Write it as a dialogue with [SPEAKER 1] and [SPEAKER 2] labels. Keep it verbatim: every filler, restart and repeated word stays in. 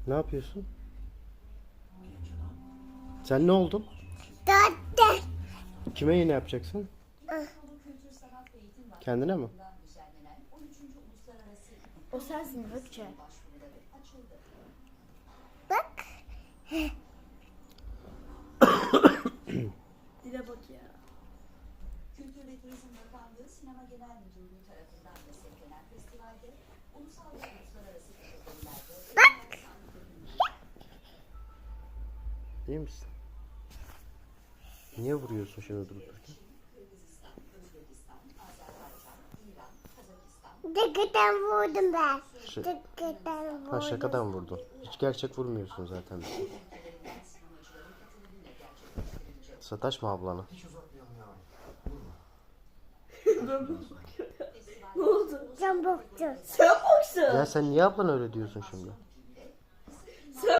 [SPEAKER 1] Ne yapıyorsun? Sen ne oldun?
[SPEAKER 2] Dört.
[SPEAKER 1] Kime iğne yapacaksın? Kendine mi?
[SPEAKER 3] O sensin Gökçe.
[SPEAKER 2] Bak.
[SPEAKER 3] Dile bak ya.
[SPEAKER 4] Kültür ve Turizm Bakanlığı Sinema Genel Müdürlüğü tarafından desteklenen festivalde ulusal ve uluslararası kategorilerde
[SPEAKER 2] Bak.
[SPEAKER 1] İyi misin? Niye vuruyorsun şimdi durup dururken?
[SPEAKER 2] Dıkıdan vurdum ben.
[SPEAKER 1] Şey,
[SPEAKER 2] Dıkıdan vurdum.
[SPEAKER 1] ha şakadan vurdun. Hiç gerçek vurmuyorsun zaten. Sataşma ablana.
[SPEAKER 3] Ne oldu?
[SPEAKER 2] Can boktu.
[SPEAKER 3] Sen boksun.
[SPEAKER 1] Ya sen niye ablana öyle diyorsun şimdi?